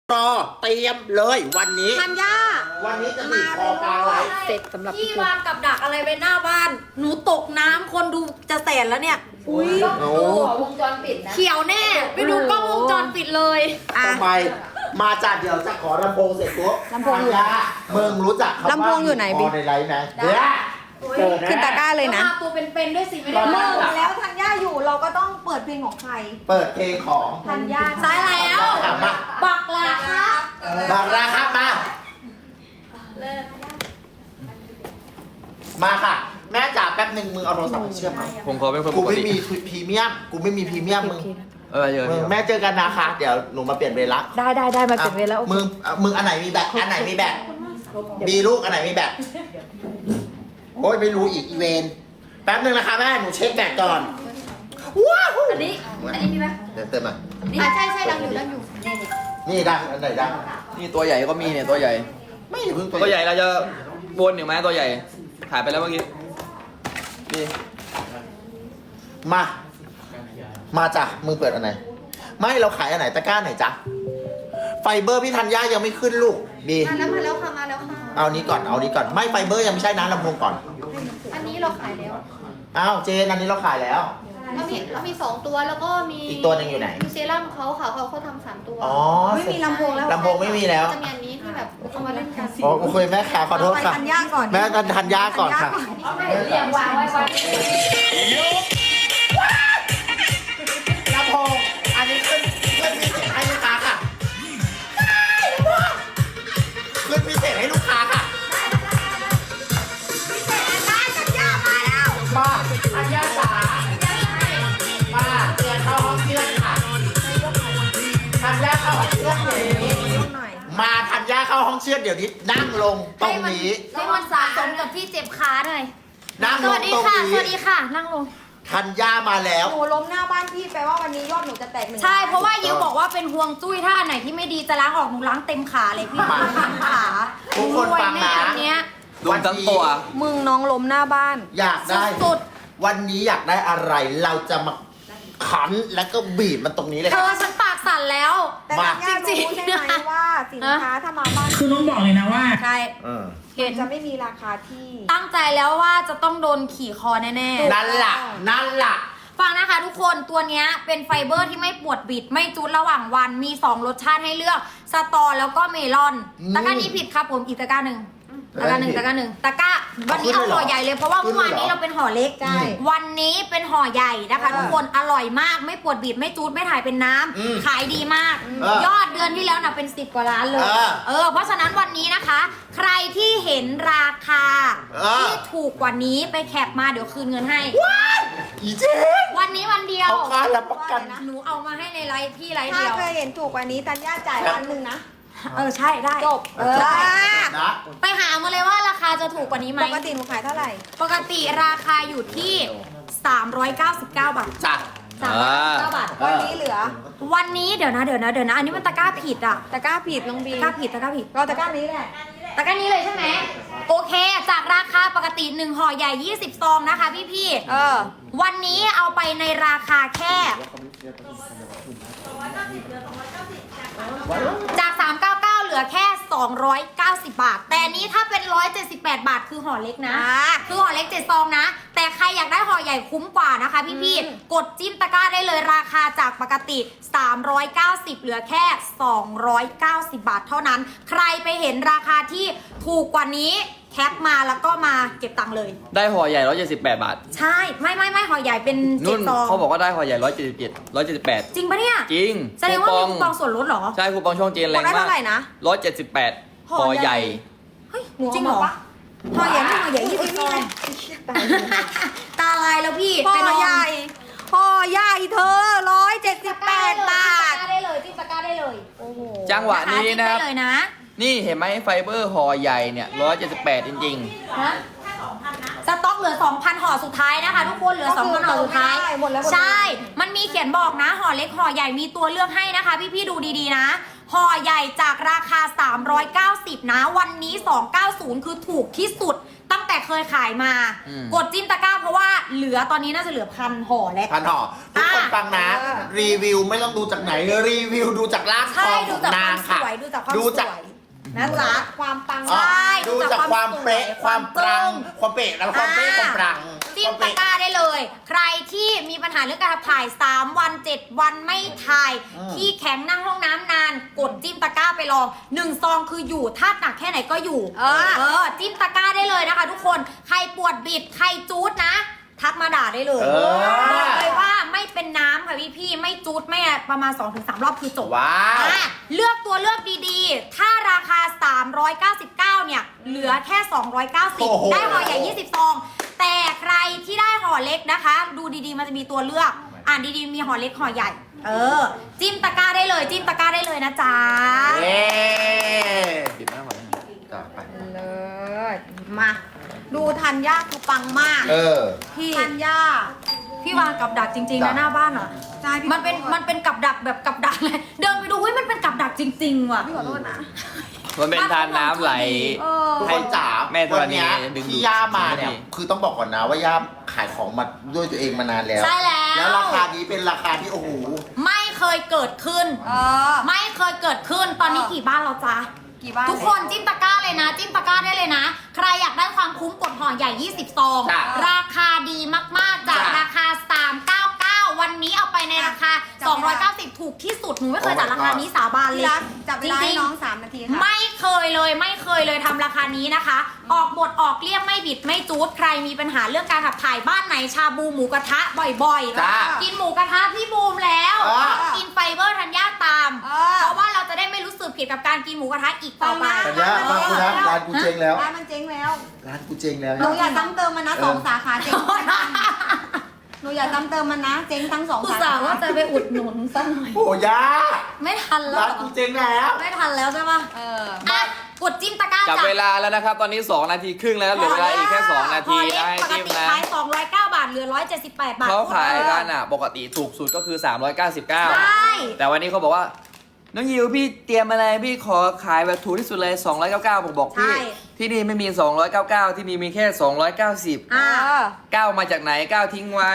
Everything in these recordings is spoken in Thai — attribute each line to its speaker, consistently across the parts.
Speaker 1: รอเตรียมเลยวันนี้
Speaker 2: ธัญญา
Speaker 1: วันนี้จะมีคอกลางไลฟ์
Speaker 2: เสร็จสำหรับ
Speaker 3: พี่วางกับดักอะไรไว้หน้าบ้าน หนูตกน้ำคนดูจะแสนแล้วเนี่ย
Speaker 2: อุ้ย
Speaker 1: โอ้
Speaker 4: วงจรปิดนะ
Speaker 3: เขียวแน่ ไปดูกล้องวงจรปิดเลย
Speaker 2: อ่ะ
Speaker 1: ทำไมมาจากเดี๋ยวจะขอลำโพงเสร็จปุ๊บ
Speaker 2: ลำโพงอยู่ไหน
Speaker 1: มึงรู้จักคำว่า
Speaker 2: ลำโพงอยู่ไหนบิ๊ก
Speaker 1: ในไลฟ์ไหมเดี๋ยวเจอ
Speaker 2: ขึ้นตะกร้าเลยนะ
Speaker 3: มาตัวเป็นๆด้วยสิไม่
Speaker 1: ต
Speaker 3: ได้
Speaker 1: อนแร
Speaker 3: เลิ
Speaker 1: ก
Speaker 3: ก
Speaker 2: แล้วธัญญาอยู่เราก็ต้องเปิดเพลงของใคร
Speaker 1: เปิดเพลงของ
Speaker 2: ธัญญา
Speaker 3: ใช่แล้ว
Speaker 1: ถามมา
Speaker 3: บักลาครับ
Speaker 1: บางราครับมาค่ะ แม่จ๋าแป๊บหนึ่งมึงเอาโทรศัพท์มาเชื่อมไหม
Speaker 5: ผมขอเป็นคน
Speaker 1: กู
Speaker 5: ปก
Speaker 1: ไม่
Speaker 5: ติ
Speaker 1: มีพรีเมียมมึง
Speaker 5: เยอะ
Speaker 1: มึงแม่เจอกันนะคะเดี๋ยวหนูมาเปลี่ยนเวรละ
Speaker 2: ได้มาเก็บเวรแล้ว
Speaker 1: มึงอันไหนมีแบตอันไหนมีแบตมีลูกอันไหนมีแบตโอ้ยไม่รู้อีกอีเวนแป๊บหนึ่งนะคะแม่หนูเช็คแบตก่อนว้าว
Speaker 4: อันนี้มีไหม
Speaker 1: เดี๋ยวเติมมา
Speaker 4: ใช่ดังอยู่นี่
Speaker 1: นี่ดังอันไหนดัง
Speaker 5: นี่ตัวใหญ่ก็มีเนี่ยตัวใหญ่
Speaker 1: ไม่เพิ่ง
Speaker 5: ตัวใหญ่เราจะวนหนึ่งไหมตัวใหญ่ถ่ายไปแล้วเมื่อกี้นี่
Speaker 1: มาจ้ะมึงเปิดอันไหนไม่เราขายอันไหนตะกร้าไหนจ๊ะไฟเบอร์พี่ธัญญายังไม่ขึ้นลูกบี
Speaker 4: มาแล้วค่ะ
Speaker 1: เอานี้ก่อนไม่ไฟเบอร์ยังไม่ใช่นะลำโพงก่อน
Speaker 4: อันนี้เราขายแล้ว
Speaker 1: อ้าวเจนอันนี้เราขายแล้ว
Speaker 4: เรามี2ตัวแล้วก็มี
Speaker 1: อีกตัวหนึ่งอยู่ไหน
Speaker 4: มีเซรั่มเขาค่ะเขาทำ3ตัว
Speaker 1: อ๋อ
Speaker 2: ไม่มีลำโพงแล้ว
Speaker 1: ลำโพงไม่มีแล้ว
Speaker 4: จะมีอันนี้ที่แบบเอามาเล่นกัน
Speaker 1: โอเคแม่ขาขอโทษค่ะ
Speaker 2: ไปธัญญาก่อน
Speaker 1: แม่กันธัญญาก่อนค่ะ
Speaker 4: เรียงวางไว้ก่อน
Speaker 1: ลำโพงอันนี้ขึ้นพิเศษให้ลูกค้าค่ะขึ้นพิเศษให้ลูกค้าค่ะมาธัญญาจ๋ามาเตือนเข้าห้องเชื่อดค่ะธัญญาเข้าห้องเชื่อดเดี๋ยวนี้มาธัญญาเข้าห้องเชื่อดเดี๋ยวนี้นั่งลงตรงนี้
Speaker 3: ให้มันสะสมกับที่เจ็บขาหน่อย
Speaker 1: นั่ง
Speaker 3: ส
Speaker 1: ล
Speaker 3: วั
Speaker 1: ง
Speaker 3: สดี
Speaker 1: ตรง
Speaker 3: ค่ะ
Speaker 1: นี้
Speaker 3: สวัสดีค่ะ นั่งลง
Speaker 1: ธัญญามาแล้ว
Speaker 2: หนูล้มหน้าบ้านพี่แปลว่าวันนี้ยอดหนูจะแตก1
Speaker 3: ใช่ เพราะว่ายิวบอกว่าเป็นห่วงจุ้ยถ้าอันไหนที่ไม่ดีจะล้างออกหนูล้างเต็มขาเลยพี่
Speaker 1: มา
Speaker 3: เต็มขา
Speaker 1: ทุกคน
Speaker 3: รวย
Speaker 1: ฟังนะ
Speaker 3: แน่อันเนี้ย
Speaker 5: รวมทั้งตัว
Speaker 2: มึงน้องล้มหน้าบ้าน
Speaker 1: อยากได้
Speaker 3: สุด
Speaker 1: วันนี้อยากได้อะไรเราจะมาขันแล้วก็บีบมันตรงนี้เลย
Speaker 3: เธ
Speaker 1: ค่ะ
Speaker 3: อฉันปากสั่นแล้ว
Speaker 2: แต่ธัญญารู้ใช่ไหมว่าสินค้าถ้ามาบ้าน
Speaker 6: คือต้องบอกเลยนะว่า
Speaker 3: ใช่ เห็น
Speaker 2: จะไม่มีราคาที่
Speaker 3: ตั้งใจแล้วว่าจะต้องโดนขี่คอแน่
Speaker 1: นั่นล่ะ
Speaker 3: ๆ ฟังนะคะทุกคนตัวเนี้ยเป็นไฟเบอร์ที่ไม่ปวดบิด ไม่จุดระหว่างวันมี 2 รสชาติให้เลือก สตอแล้วก็เมลอน ตะกร้านี้ผิดครับผมอีกตะกร้าหนึ่งตะกร้าหนึ่งตะกร้าหนึ่งตะกร้าวันนี้เอาห่อใหญ่เลยเพราะว่าเมื่อวานนี้เราเป็นห่อเล็ก
Speaker 2: ใช่
Speaker 3: วันนี้เป็นห่อใหญ่นะคะทุกคนอร่อยมากไม่ปวดบิดไม่จูดไม่ถ่ายเป็นน้ำขายดีมาก ยอดเดือนที่แล้วนะเป็น10 กว่าล้านเลยเพราะฉะนั้นวันนี้นะคะ ใครที่เห็นราคาที่ถูกกว่านี้ไปแคปมาเดี๋ยวคืนเงินให้
Speaker 1: อีเจ๊
Speaker 3: วันนี้วันเดียว
Speaker 1: เขาค้ารับประกัน
Speaker 3: หนูเอามาให้ในไลฟ์พี่ไลฟ์
Speaker 2: ถ้า
Speaker 3: เดียว
Speaker 2: เคยเห็นถูกกว่านี้ธัญญาจ่าย1,000นะ
Speaker 3: ใช่ได้
Speaker 2: จบ
Speaker 3: ได้
Speaker 1: นะ
Speaker 3: ไปหามาเลยว่าราคาจะถูกกว่านี้ไหม
Speaker 2: ปกติหนูขายเท่าไหร่
Speaker 3: ปกติราคาอยู่ที่ 399 บาท
Speaker 1: จ้ะ
Speaker 3: 399 บาท
Speaker 2: วันนี้เหลือ
Speaker 3: วันนี้เดี๋ยวนะ อันนี้มันตะกร้าผิดอ่ะ
Speaker 2: ตะกร้าผิดน้องบี
Speaker 3: ตะกร้าผิด
Speaker 2: ก็ตะกร้านี้แหละ
Speaker 3: ตะกร้านี้เลยใช่ไหม โอเค จากราคาปกติ1ห่อใหญ่ 20 ซองนะคะพี่ วันนี้เอาไปในราคาแค่ จาก 399 เหลือแค่ 290 บาท แต่อันนี้ถ้าเป็น 178 บาทคือห่อเล็กนะ คือห่อเล็ก7ซองนะ แต่ใครอยากได้ห่อใหญ่คุ้มกว่านะคะพี่ๆ กดจิ้มตะกร้าได้เลยราคาจากปกติ 390 เหลือแค่ 290 บาทเท่านั้น ใครไปเห็นราคาที่ถูกกว่านี้แคปมาแล้วก็มาเก็บตังค์เลย
Speaker 5: ได้ห่อใหญ่178 บาท
Speaker 3: ใช่ ไม่ห่อใหญ่เป็น
Speaker 5: นุ่น
Speaker 3: 7ซอง
Speaker 5: เขาบอกว่าได้ห่อใหญ่177 178
Speaker 3: จริงปะเนี่ย
Speaker 5: จริง
Speaker 3: แสดงว่ามีคูปองส่วนลดเหรอ
Speaker 5: ใช่คูปองช่องเจนแรง
Speaker 2: ได้
Speaker 5: มา
Speaker 2: เท่าไหร่นะ
Speaker 5: ก178ห่อใหญ่
Speaker 3: เฮ้ย
Speaker 2: หนู
Speaker 3: จริงเหรอ
Speaker 2: เอามาปะ
Speaker 3: ห่อใหญ่ไม่ห่อใหญ่20ซองตาลายแล้วพี่
Speaker 2: ห่
Speaker 3: ไป
Speaker 2: อน
Speaker 3: อน
Speaker 2: ใหญ่ห่อใหญ่เธอ178 บาท
Speaker 3: จิ้มตะกร้าได้เลยจิ้มตะกร้าได้เลย
Speaker 2: โอ้โห
Speaker 5: จังหวะนี้นะครับ
Speaker 3: จิ้มได้เลยนะ
Speaker 5: นี่เห็นไหมไฟเบอร์ห่อใหญ่เนี่ย178จริง
Speaker 3: ฮะสต็อกเหลือ 2,000 ห่อสุดท้ายนะคะ ทุกคนเหลือ 2,000 ห่อสุดท้าย
Speaker 2: หมดแล้ว
Speaker 3: ใช่ มันมีเขียนบอกนะ ห่อเล็กห่อใหญ่มีตัวเลือกให้นะคะ พี่ๆดูดีๆนะ ห่อใหญ่จากราคา 390 นะ วันนี้ 290 คือถูกที่สุด ตั้งแต่เคยขายมา กดจิ้มตะกร้าเพราะว่าเหลือตอนนี้น่าจะเหลือ1,000 ห่อแล้ว
Speaker 1: พันห่อทุกคนฟังนะ รีวิวไม่ต้องดูจากไหนรีวิวดูจากร่างท
Speaker 3: ใช่
Speaker 1: องข
Speaker 3: ดู
Speaker 1: อง
Speaker 3: จากค
Speaker 1: นาว
Speaker 3: าง มส
Speaker 1: ค่ะ
Speaker 3: วยดู
Speaker 2: ความ
Speaker 1: ดู
Speaker 2: ส
Speaker 1: จาก
Speaker 2: วยนะจ๊ะ
Speaker 4: ความปัง
Speaker 2: ใช่
Speaker 1: ดูจากความเป๊ะ ความปรัง
Speaker 2: จึ้ง
Speaker 1: ความเป๊ะแล้วความเป๊ะความปรัง
Speaker 3: จิ้มตะกร้าได้เลย ใครที่มีปัญหาเรื่องการขับถ่าย 3 วัน 7 วันไม่ถ่าย
Speaker 1: อืม
Speaker 3: ที่แข็งนั่งห้องน้ำนาน กดจิ้มตะกร้าไปลอง1ซองคืออยู่ธาตุหนักแค่ไหนก็อยู่ จิ้มตะกร้าได้เลยนะคะทุกคน ใครปวดบิด ใครจูดนะ ทักมาด่าได้เลย บอกเลยว่าไม่เป็นน้ำค่ะพี่ๆไม่จูดไม่ประมาณ 2-3 รอบคือจบ
Speaker 1: ว้าว
Speaker 3: เลือกตัวเลือกดีๆ ถ้าราคา 399 เนี่ย เหลือแค่
Speaker 1: โอ้โห
Speaker 3: 290 ได้ห่อใหญ่ 20 ซอง แต่ใครที่ได้ห่อเล็กนะคะ ดูดีๆ มันจะมีตัวเลือก อ่านดีๆ มีห่อเล็กห่อใหญ่ จิ้มตะกร้าได้เลย จิ้มตะกร้าได้เลยนะจ๊ะ
Speaker 1: เย้
Speaker 5: ปิดหน้าก่อนนะจ้ะไป
Speaker 2: เลยมา ดูธัญญาคือปังมาก
Speaker 3: พี่
Speaker 2: ธัญญา
Speaker 3: พี่วางกับดักจริงๆนะหน้าบ้านอ่ะ
Speaker 2: ใช่พี่
Speaker 3: มันเป็นกับดักแบบกับดักเลย เดินไปดูเฮ้ยมันเป็นกับดักจริงๆว่ะ
Speaker 2: พี่ขอโทษนะ
Speaker 5: มันเป็นทานน้ำไหล
Speaker 1: ทุกคนจ๋า
Speaker 5: แม่ธร
Speaker 1: วัน
Speaker 5: ณี
Speaker 1: เนี้ย
Speaker 5: ดึงดูด
Speaker 1: ที่ย่ามาเนี่ย
Speaker 5: ดึงดูด
Speaker 1: คือต้องบอกก่อนนะว่าย่าขายของมาด้วยตัวเองมานานแล้ว
Speaker 3: ใช่แล้ว
Speaker 1: แล้วราคานี้เป็นราคาที่โอ้โห
Speaker 3: ไม่เคยเกิดขึ้น ไม่เคยเกิดขึ้น ตอนนี้กี่บ้านแล้วจ๊ะ
Speaker 2: กี่บ้าน
Speaker 3: ทุกคนจิ้มตะกร้าเลยนะ จิ้มตะกร้าได้เลยนะ ใครอยากได้ความคุ้มกดห่อใหญ่ 20 ซอง
Speaker 1: จ้ะ
Speaker 3: ราคาดีมากๆ จาก
Speaker 1: จ้ะ
Speaker 3: ราคา 399 วันนี้เอาไปในราคา 290 ถูกที่สุด หนูไม่เคยจัดราคานี้สาบานเล
Speaker 2: พี่
Speaker 3: ย
Speaker 2: รักจับเวลาให้น้อง3 นาทีค่ะ
Speaker 3: ไม่เคยเลยทำราคานี้นะคะ ออกบทออกเลี่ยมไม่บิดไม่จูดใครมีปัญหาเรื่องการขับถ่ายบ้านไหนชาบูหมูกระทะบ่อย
Speaker 1: จ้า
Speaker 3: กินหมูกระทะพี่บูมแล้ว กินไฟเบอร์ธัญญาตาม เพราะว่าเราจะได้ไม่รู้สึกผิดกับการกินหมูกระทะอีกต่อไป
Speaker 1: แต่เนี้ยฟังกูนะร้านกูเจ๊งแล้ว
Speaker 2: ร้านมันเจ๊งแล้ว
Speaker 1: ร้านกูเจ๊งแล้ว
Speaker 2: หนูอย่าซ้ำเติมมันนะ2 สาขาเจ๊งหนูอย่าซ้ำเติมมันนะ เจ๊งทั้ง2
Speaker 3: อุต
Speaker 2: สา
Speaker 3: ส่า
Speaker 2: ขา
Speaker 3: ห์ว่าจะไปอุดหนุนซะหน่อย
Speaker 1: โอ้ย่า
Speaker 3: ไม่ทันแล้ว
Speaker 1: ร้านกูเจ๊งแล้ว
Speaker 3: ไม่ทันแล้วใช่ปะอ่ะกดจิ้มตะกร้า
Speaker 5: จับ
Speaker 3: จ้ะ
Speaker 5: เวลาแล้วนะครับ ตอนนี้ 2 นาทีครึ่งแล้วเหลือเวลาอีกแค่ 2 นาที
Speaker 3: ห่อเล็ก
Speaker 5: นะให้
Speaker 3: ปก
Speaker 5: จิ้ม
Speaker 3: ติ
Speaker 5: นะ
Speaker 3: ขาย209 บาทเหลือ178 บาท
Speaker 5: เขาขายกันอ่ะ ปกติถูกสุดก็คือ
Speaker 3: ใช่
Speaker 5: 399 แต่วันนี้เขาบอกว่า น้องยิวพี่เตรียมอะไรพี่ขอขายแบบถูกที่สุดเลย 299ผมบอกพี่
Speaker 3: ใช่
Speaker 5: ที่นี่ไม่มี 299 ที่นี่มีแค่ 290
Speaker 3: อ่ะ
Speaker 5: 9มาจากไหน 9 ทิ้งไว้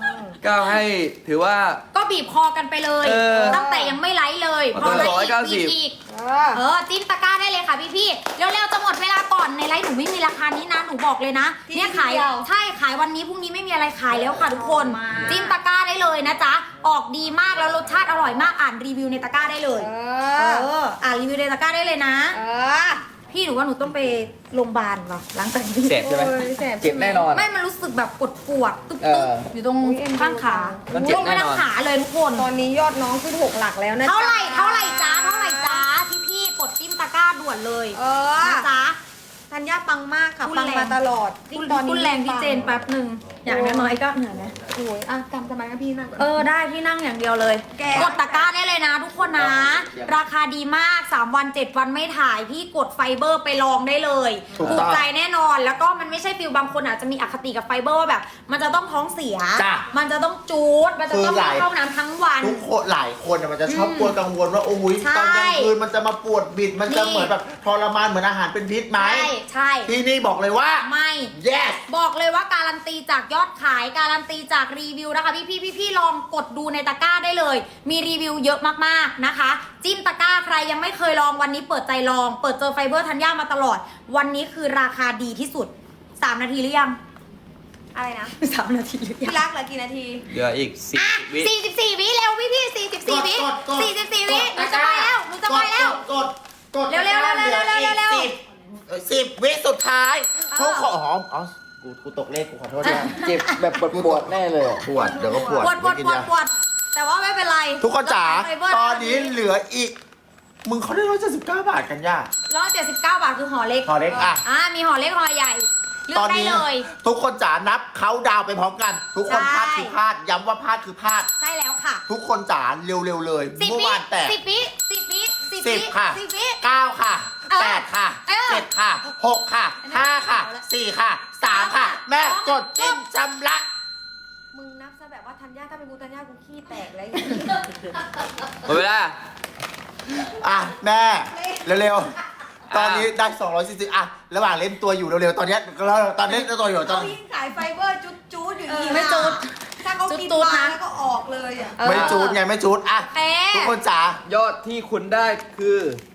Speaker 5: 9 ให้ถือว่า
Speaker 3: ก็บีบคอกันไปเลย ตั้งแต่ยังไม่ไลฟ์เลย
Speaker 5: มัน
Speaker 3: พอไลฟ์
Speaker 5: ก็
Speaker 3: อีก
Speaker 5: 190
Speaker 3: บีบอีกจิ้มตะกร้าได้เลยค่ะพี่ๆเร็วๆจะหมดเวลาก่อนในไลฟ์หนูไม่มีราคานี้นะหนูบอกเลยนะ
Speaker 2: ที่
Speaker 3: เนี่ยขาย
Speaker 2: เดียว
Speaker 3: ใช่ขายวันนี้พรุ่งนี้ไม่มีอะไรขายแล้วค่ะทุกคนจิ้มตะกร้าได้เลยนะจ๊ะออกดีมากแล้วรสชาติอร่อยมากอ่านรีวิวในตะกร้าได้เลยอ่านรีวิวในตะกร้าได้เลยนะ พี่หนูว่าหนูต้องไปโรงพยาบาลว่ะหลังจากนี้
Speaker 5: เจ็บใช่ไหม
Speaker 2: โอ้ยแสบ
Speaker 5: เจ็บแน่นอน
Speaker 3: ไม่มันรู้สึกแบบปวดตุ๊บ
Speaker 5: เออ
Speaker 3: ๆอยู่ตรงข้างขา
Speaker 5: มันเจ็บ
Speaker 3: ลงไป
Speaker 5: แน่น
Speaker 3: ทั้
Speaker 5: อง น
Speaker 3: ขาเลยทุกคน
Speaker 2: ตอนนี้ยอดน้องขึ้น6 หลักแล้วนะ
Speaker 3: เท่าไหร่จ้าพี่ๆกดจิ้มตะกร้าด่วนเลยนะจ๊ะ
Speaker 2: ธัญญาปังมากค่ะ
Speaker 3: พูด
Speaker 2: ปัง
Speaker 3: แรง
Speaker 2: มาตลอด
Speaker 3: พูดแรงพี่เจนแป๊บหนึ่งอย่างน้อยๆก็เหนื่อยไหม
Speaker 2: โอ้ยอ่ะจำสมัยกับพี่นั่งก่อน
Speaker 3: ได้พี่นั่งอย่างเดียวเลย
Speaker 2: แก
Speaker 3: กดตะกร้าได้เลยนะทุกคนนะ ราคาดีมาก 3 วัน 7 วันไม่ถ่าย พี่กดไฟเบอร์ไปลองได้เลย
Speaker 1: ถูก
Speaker 3: ถู
Speaker 1: ต้
Speaker 3: ก
Speaker 1: อง
Speaker 3: ใจแน่นอน แล้วก็มันไม่ใช่ฟิลบางคนอาจจะมีอคติกับไฟเบอร์ว่าแบบ มันจะต้องท้องเสีย
Speaker 1: จ้ะ
Speaker 3: มันจะต้องจูด มันจะต้อง
Speaker 1: คือหลาย
Speaker 3: เข้าน้ำทั้งวัน
Speaker 1: ทุกคนหลายคนน่ะมันจะชอบกลัวกังวลว่าโอ้ย
Speaker 3: ใช่
Speaker 1: ตอนกลางคืนมันจะมาปวดบิด มันจะ
Speaker 3: นี่
Speaker 1: เหมือนแบบทรมานเหมือนอาหารเป็นพิษไหม
Speaker 3: ใช่
Speaker 1: ที่นี่บอกเลยว่า
Speaker 3: ไม่
Speaker 1: yes
Speaker 3: บอกเลยว่าการันตีจากยอดขายการันตีจากรีวิวนะคะพี่ลองกดดูในตะกร้าได้เลย มีรีวิวเยอะมากๆนะคะ จิ้มตะกร้าใครยังไม่เคยลองวันนี้เปิดใจลอง เปิดเจอไฟเบอร์ธัญญามาตลอด วันนี้คือราคาดีที่สุด 3 นาทีหรือยัง
Speaker 2: อะไรนะ
Speaker 3: 3 นาทีหรือยั
Speaker 2: พี่
Speaker 3: ง
Speaker 2: รักเหลือกี่นาที
Speaker 5: เหลืออีก
Speaker 3: อ่ะ
Speaker 5: 10 วิ
Speaker 3: 44 วิเร็วพี่44 วิ
Speaker 1: กด
Speaker 3: 44 วิหนูจะไปแล้วหนูจะไปแล้ว
Speaker 1: กด
Speaker 3: เร็วๆๆๆๆๆ
Speaker 1: เหลืออีก10 วิสุดท้ายทุกคนอ๋อกูตกเลขกูขอโทษนะ
Speaker 5: เจ็บแบบปวดแน่เลย
Speaker 1: ปวดเดี๋ยวก็ปวด
Speaker 3: ปวด
Speaker 1: ไม่กินยา
Speaker 3: แต่ว่าไม่เป็นไร
Speaker 1: ทุกคนจ๋า
Speaker 3: ไฟเบร์
Speaker 1: ตอนนี้เหลืออีก มึงเขาได้179 บาทกันย่า
Speaker 3: 179 บาทคือห่อเล็ก
Speaker 1: พอเล็กอ่ะ
Speaker 3: มีห่อเล็กห่อใหญ่เลือ
Speaker 1: ตอก น
Speaker 3: ได้
Speaker 1: นี้
Speaker 3: เลย
Speaker 1: ทุกคนจ๋านับเขาดาวไปพร้อมกัน ทุกคน
Speaker 3: ใช่
Speaker 1: พลาดคือพลาดย้ำว่าพลาดคือพลาด
Speaker 3: ใช่แล้วค่ะ
Speaker 1: ทุกคนจ๋าเร็วๆเลย
Speaker 3: 10
Speaker 1: เมื่อ
Speaker 3: วิ
Speaker 1: วานแตก
Speaker 3: 10 วิ10 วิ10 วิ
Speaker 1: 10 ค่ะ
Speaker 3: 10 วิ
Speaker 1: 9 ค่ะ 8 ค่ะ 7 ค่ะ 6 ค่ะ 5 ค่ะ 4 ค่ะ 3 ค่ะ แม่กดจิ้มชำระ
Speaker 2: มึงนับซะแบบว่าธัญญาถ้าเป็นกูธัญญากูขี้แตกแล้ว
Speaker 5: หมดเวลา
Speaker 1: อ่ะ แม่ เร็วๆ ตอนนี้ได้240อ่ะ ระหว่างเล่นตัวอยู่เร็วๆ ตอนนี้ตอนเล่นตัวอยู่ตอน
Speaker 2: เขายิ่งขายไฟเบอร์จูดอยู่อีก
Speaker 3: ไม่จูด
Speaker 2: ถ้าเขากิน
Speaker 3: จูดๆ
Speaker 2: มา
Speaker 3: นะ
Speaker 2: แล้วก็ออกเลยอ่ะ
Speaker 1: ไม่จูดไงไม่จูดอ่ะ
Speaker 3: เอ๊ะ
Speaker 1: ทุกคนจ๋า
Speaker 5: ยอดที่คุณได้คือ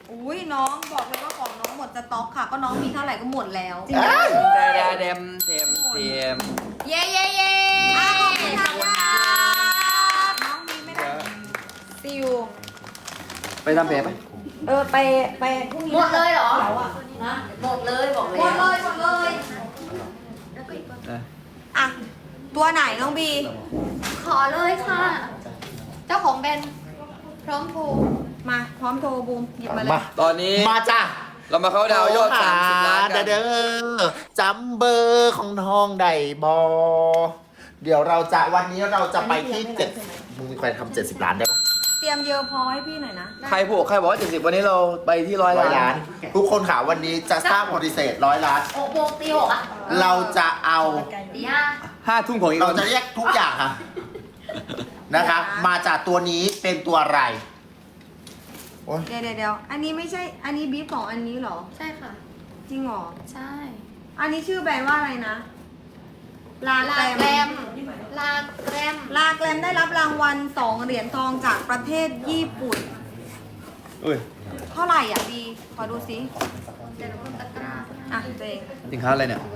Speaker 2: อุ้ยน้องบอกเลยว่าของน้องหมดสต็อกค่ะ ก็น้องมีเท่าไหร่ก็หมดแล้ว
Speaker 1: เอ้ย
Speaker 5: เดมเทม
Speaker 3: เย้เย้เย้
Speaker 2: ขอบคุณค่ะน้องมีไม่ได้ซิว
Speaker 5: ไปทำแผลไป
Speaker 2: ไปพรุ่งนี้
Speaker 4: หมดเลยเหรอ
Speaker 2: เราอะ
Speaker 4: หมดเลยบอกเลย
Speaker 2: หมดเลยหมดเลย
Speaker 4: แล้วก็อีกตัว
Speaker 2: อ่ะตัวไหนน้องบี
Speaker 4: ขอเลยค่ะ เจ้าของแบรนด์พร้อมโทร
Speaker 2: มาพร้อมโทรบูมหยิบมาเลย
Speaker 1: มา
Speaker 5: ตอนนี้
Speaker 1: มาจ้ะ
Speaker 5: เรามาเข้าดาวยอด30 ล้านกัน
Speaker 1: เด้อจำเบอร์ของทองได้บอเดี๋ยวเราจะวันนี้เราจะไปที่7มึงมีใครทำ70 ล้านได้ปะ
Speaker 2: เตรียมเยอะพอให้พี่หน่อยนะ
Speaker 5: ใครบอกว่า70วันนี้เราไปที่100
Speaker 1: 100
Speaker 5: ล้า
Speaker 1: ล้าน น ทุกคนค่ะวันนี้จะสร้างโปรดิเซต100 ล้าน
Speaker 4: 6 โมงตี 6 อ่ะ
Speaker 1: เราจะเอา
Speaker 4: ตี
Speaker 5: 5 ทุ่มของอีก
Speaker 1: เรา
Speaker 5: วัน
Speaker 1: จะเรียกทุกอย่างค่ะนะคะ มาจากตัวนี้เป็นตัวอะไรโอ๊ย
Speaker 2: เดี๋ยวอันนี้ไม่ใช่ อันนี้บีฟของอันนี้เหรอ
Speaker 4: 5ใช่ค่ะ
Speaker 2: จริงเหรอ
Speaker 4: ใช่
Speaker 2: อันนี้ชื่อแบรนด์ว่าอะไรนะ ลา
Speaker 4: ลา
Speaker 2: แก
Speaker 4: แก
Speaker 2: ร
Speaker 4: ร
Speaker 2: ม
Speaker 4: มลาแกรม
Speaker 2: ลาแกรมได้รับรางวัล2 เหรียญทองจากประเทศญี่ปุ่น
Speaker 5: อุ้ย
Speaker 2: เท่าไหร่อ่ะบีขอดูสิ
Speaker 4: เดี๋ยวเราก็ตะกร้า
Speaker 2: อ่ะตัวเอง
Speaker 5: สินค้าอะไรเนี่ย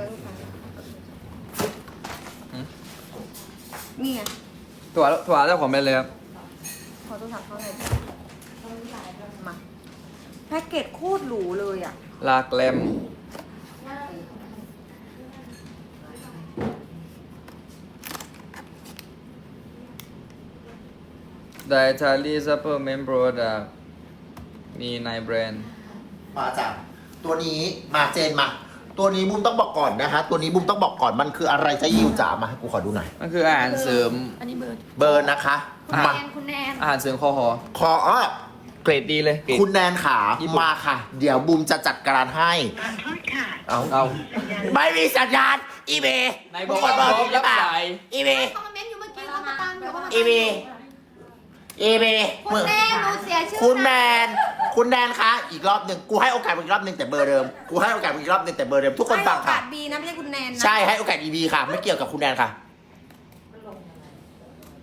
Speaker 2: นี่ไง
Speaker 5: ถั่วเจ้าของแบรนด์เลยครับ
Speaker 2: ขอโทรศัพท์เขาหน่อยมาแพ็กเกจโคตรหรูเลยอ่ะ
Speaker 5: ลาแกรมDietary Supplement Product มีในแบรนด์
Speaker 1: มาจากตัวนี้มาเจนมา ตัวนี้บุ้มต้องบอกก่อนนะคะ ตัวนี้บุ้มต้องบอกก่อนมันคืออะไรจะยิวจ๋ามาให้กูขอดูหน่อย
Speaker 5: มันคืออาหารเสริม
Speaker 4: อันนี้เบอร์
Speaker 1: เบอร์นะคะ
Speaker 4: คุณ
Speaker 1: มา
Speaker 4: แนนคุณแนน
Speaker 5: อาหารเสริมคอหอ
Speaker 1: ขอ
Speaker 5: เกรดดีเลยเกรด
Speaker 1: คุณแนนขา
Speaker 5: ญี่ปุ่น
Speaker 1: มาค่ะ เดี๋ยวบุ้มจะจัดการให้เอา
Speaker 5: เอา
Speaker 1: ไม่มีสัญญาณอีเบ
Speaker 5: ไหนบอกว่าพร้อมรับสาย
Speaker 1: อีเบ
Speaker 4: เขามาเม้นอยู่เมื่อกี้เขามาตามอยู่เขามา
Speaker 1: อีเบอีเบ
Speaker 4: คุณแนนหนูเสียชื่อ
Speaker 1: คุณแนนคุณแนนคะอีกรอบหนึ่งกูให้โอกาสมึงอีกรอบหนึ่งแต่เบอร์เดิมกูให้โอกาสมึงอีกรอบหนึ่งแต่เบอร์เดิมทุกคนฟัง
Speaker 2: ให้โอ
Speaker 1: ค่ะ
Speaker 2: กาสบีนะไม่ใช่คุณแนนนะ
Speaker 1: ใช่ให้โอกาสอีบีค่ะ ไม่เกี่ยวกับคุณแนนค่ะ